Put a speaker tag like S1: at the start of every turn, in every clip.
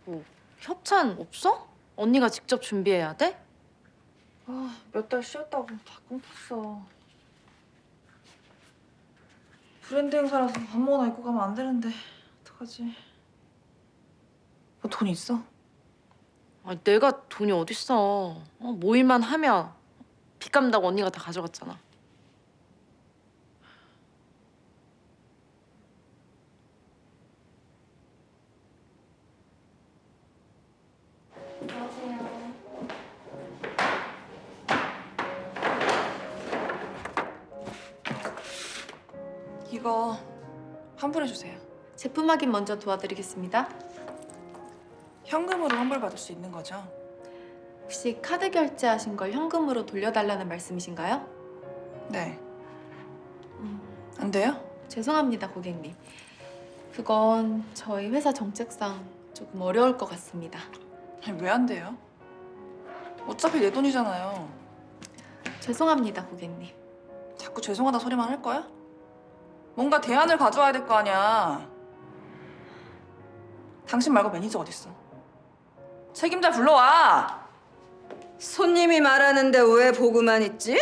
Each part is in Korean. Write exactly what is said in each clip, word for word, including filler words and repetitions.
S1: 뭐 협찬 없어? 언니가 직접 준비해야 돼?
S2: 아, 몇 달 쉬었다고 다 끊겼어. 브랜드 행사라서 아무거나 입고 가면 안 되는데 어떡하지? 너 돈 있어?
S1: 아, 내가 돈이 어딨어. 어, 모일만 하면 빚 갚는다고 언니가 다 가져갔잖아.
S2: 이거 환불해주세요.
S3: 제품 확인 먼저 도와드리겠습니다.
S2: 현금으로 환불 받을 수 있는 거죠?
S3: 혹시 카드 결제하신 걸 현금으로 돌려달라는 말씀이신가요?
S2: 네.
S3: 음,
S2: 안 돼요?
S3: 죄송합니다, 고객님. 그건 저희 회사 정책상 조금 어려울 것 같습니다.
S2: 아니, 왜 안 돼요? 어차피 내 돈이잖아요.
S3: 죄송합니다, 고객님.
S2: 자꾸 죄송하다 소리만 할 거야? 뭔가 대안을 가져와야 될 거 아니야. 당신 말고 매니저 어딨어? 책임자 불러와!
S4: 손님이 말하는데 왜 보고만 있지?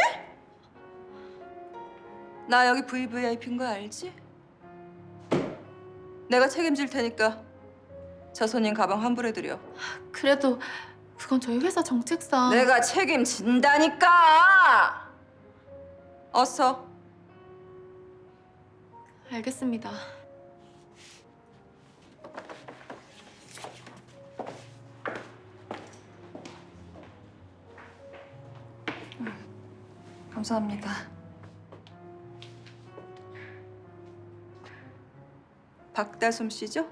S4: 나 여기 브이브이아이피인 거 알지? 내가 책임질 테니까 저 손님 가방 환불해드려.
S3: 그래도 그건 저희 회사 정책상...
S4: 내가 책임진다니까! 어서.
S3: 알겠습니다.
S2: 감사합니다.
S4: 박다솜 씨죠?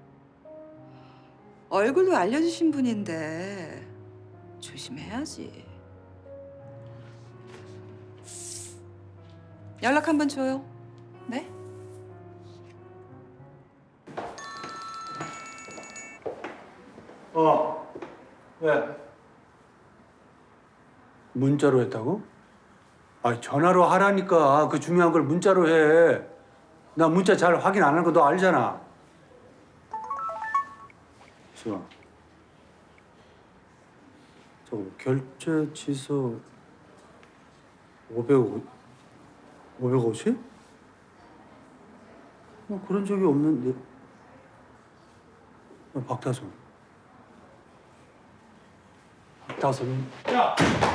S4: 얼굴도 알려주신 분인데 조심해야지. 연락 한번 줘요.
S2: 네?
S5: 어, 왜? 문자로 했다고? 아, 전화로 하라니까. 그 중요한 걸 문자로 해. 나 문자 잘 확인 안 하는 거 너 알잖아. 저, 저 결제 취소 오백오, 오백오십? 뭐 그런 적이 없는데. 어, 박다솜. 박다솜.
S6: 야!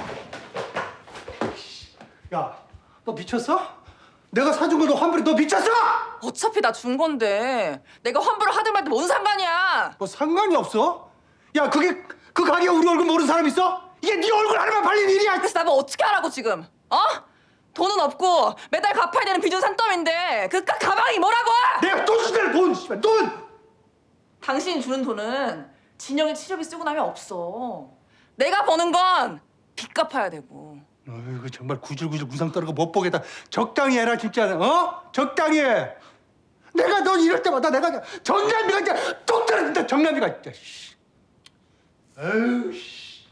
S6: 야, 너 미쳤어? 내가 사준 거 너 환불해. 너 미쳤어?
S2: 어차피 나 준 건데 내가 환불을 하든 말든 뭔 상관이야!
S6: 뭐 상관이 없어? 야, 그게 그 가게에 우리 얼굴 모르는 사람 있어? 이게 네 얼굴 하나만 팔린 일이야.
S2: 그래서 나뭐 어떻게 하라고 지금? 어? 돈은 없고 매달 갚아야 되는 빚은 산더미인데 그 가- 가방이 뭐라고!
S6: 내가 돈 주잖아, 돈. 씨발, 돈.
S2: 당신이 주는 돈은 진영이 치료비 쓰고 나면 없어. 내가 버는 건 빚 갚아야 되고.
S6: 어이구, 정말 구질구질 구상 떨고 못 보겠다. 적당히 해라 진짜. 어? 적당히 해. 내가 너 이럴 때마다 내가 정남이가 진짜 뚝 떨어진다. 정남이가 진짜. 씨. 에휴 씨.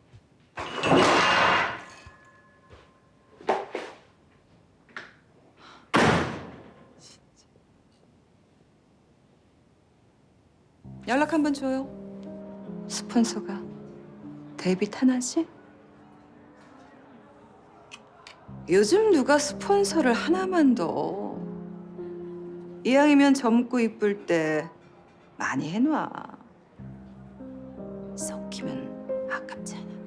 S4: 연락 한번 줘요. 스폰서가 데이빗 하나 씨? 요즘 누가 스폰서를 하나만 더. 이왕이면 젊고 이쁠 때 많이 해놔. 썩히면 아깝잖아.